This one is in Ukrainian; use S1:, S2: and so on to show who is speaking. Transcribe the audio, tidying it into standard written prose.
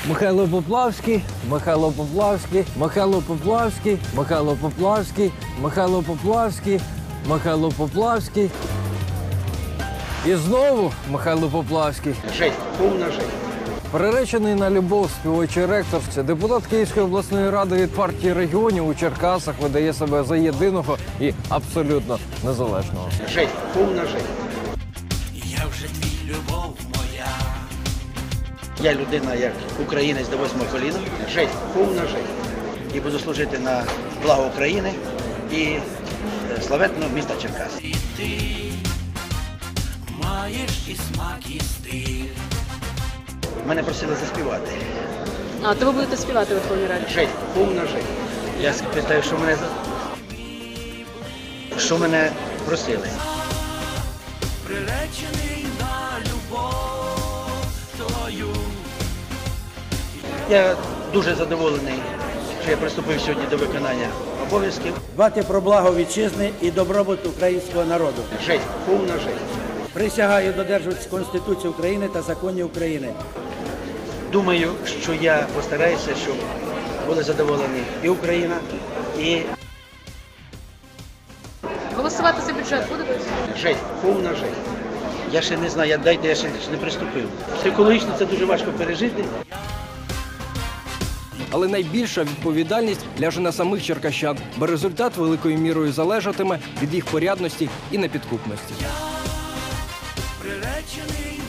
S1: Михайло Поплавський, Михайло Поплавський, Михайло Поплавський, Михайло Поплавський, Михайло Поплавський, Михайло Поплавський. І знову Михайло Поплавський.
S2: Жесть, повна жесть.
S1: Приречений на любов співочий ректор, депутат Київської обласної ради від партії регіонів у Черкасах видає себе за єдиного і абсолютно незалежного.
S2: Жесть, повна жесть.
S3: Я вже твій любов моя.
S2: Я людина як українець до 8-го коліна. Жесть, повна жесть. І буду служити на благо України і славетного міста Черкас.
S3: І ти маєш і смак, і стиль.
S2: Мене просили заспівати.
S4: А, то ви будете співати в Верховній Раді?
S2: Жесть, повна жесть. Я питаю, що мене просили.
S3: Приречений на любов твою.
S2: Я дуже задоволений, що я приступив сьогодні до виконання обов'язків.
S5: Дбати про благо вітчизни і добробут українського народу.
S2: Жесть, повна жесть.
S5: Присягаю додержуватися Конституції України та законів України.
S2: Думаю, що я постараюся, щоб були задоволені і Україна, і
S4: Голосувати за бюджет будете?
S2: жесть, повна жесть. Я ще не знаю, я ще не приступив. Психологічно це дуже важко пережити.
S1: Але найбільша відповідальність ляже на самих черкащан, бо результат великою мірою залежатиме від їх порядності і непідкупності.
S3: Приречений